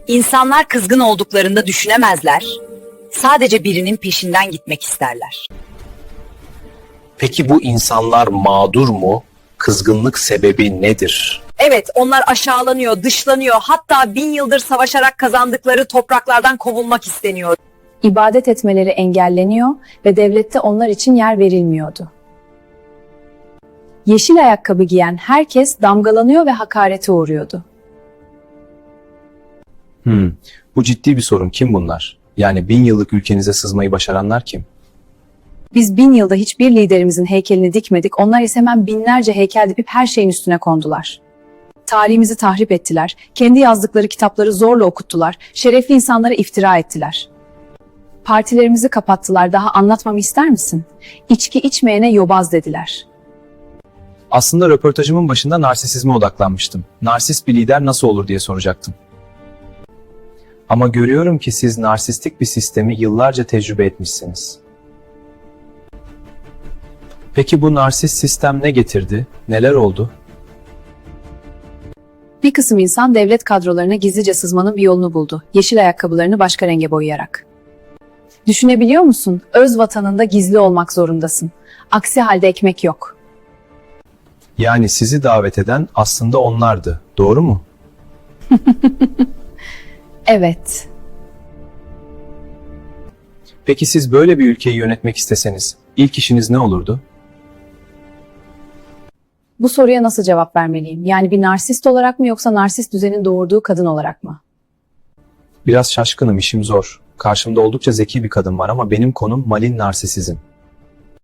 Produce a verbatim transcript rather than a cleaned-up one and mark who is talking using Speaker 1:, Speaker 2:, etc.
Speaker 1: İnsanlar kızgın olduklarında düşünemezler. Sadece birinin peşinden gitmek isterler.
Speaker 2: Peki bu insanlar mağdur mu? Kızgınlık sebebi nedir?
Speaker 1: Evet, onlar aşağılanıyor, dışlanıyor, hatta bin yıldır savaşarak kazandıkları topraklardan kovulmak isteniyor.
Speaker 3: İbadet etmeleri engelleniyor ve devlette onlar için yer verilmiyordu. Yeşil ayakkabı giyen herkes damgalanıyor ve hakarete uğruyordu.
Speaker 4: Hmm, bu ciddi bir sorun. Kim bunlar? Yani bin yıllık ülkenize sızmayı başaranlar kim?
Speaker 3: Biz bin yılda hiçbir liderimizin heykelini dikmedik, onlar ise hemen binlerce heykel dikip her şeyin üstüne kondular. Tarihimizi tahrip ettiler, kendi yazdıkları kitapları zorla okuttular, şerefli insanlara iftira ettiler. Partilerimizi kapattılar, daha anlatmamı ister misin? İçki içmeyene yobaz dediler.
Speaker 4: Aslında röportajımın başında narsisizme odaklanmıştım. Narsist bir lider nasıl olur diye soracaktım. Ama görüyorum ki siz narsistik bir sistemi yıllarca tecrübe etmişsiniz. Peki bu narsist sistem ne getirdi? Neler oldu?
Speaker 3: Bir kısım insan devlet kadrolarına gizlice sızmanın bir yolunu buldu. Yeşil ayakkabılarını başka renge boyayarak. Düşünebiliyor musun? Öz vatanında gizli olmak zorundasın. Aksi halde ekmek yok.
Speaker 4: Yani sizi davet eden aslında onlardı. Doğru mu?
Speaker 3: Evet.
Speaker 4: Peki siz böyle bir ülkeyi yönetmek isteseniz ilk işiniz ne olurdu?
Speaker 3: Bu soruya nasıl cevap vermeliyim? Yani bir narsist olarak mı yoksa narsist düzenin doğurduğu kadın olarak mı?
Speaker 4: Biraz şaşkınım, işim zor. Karşımda oldukça zeki bir kadın var ama benim konum malin narsisizm.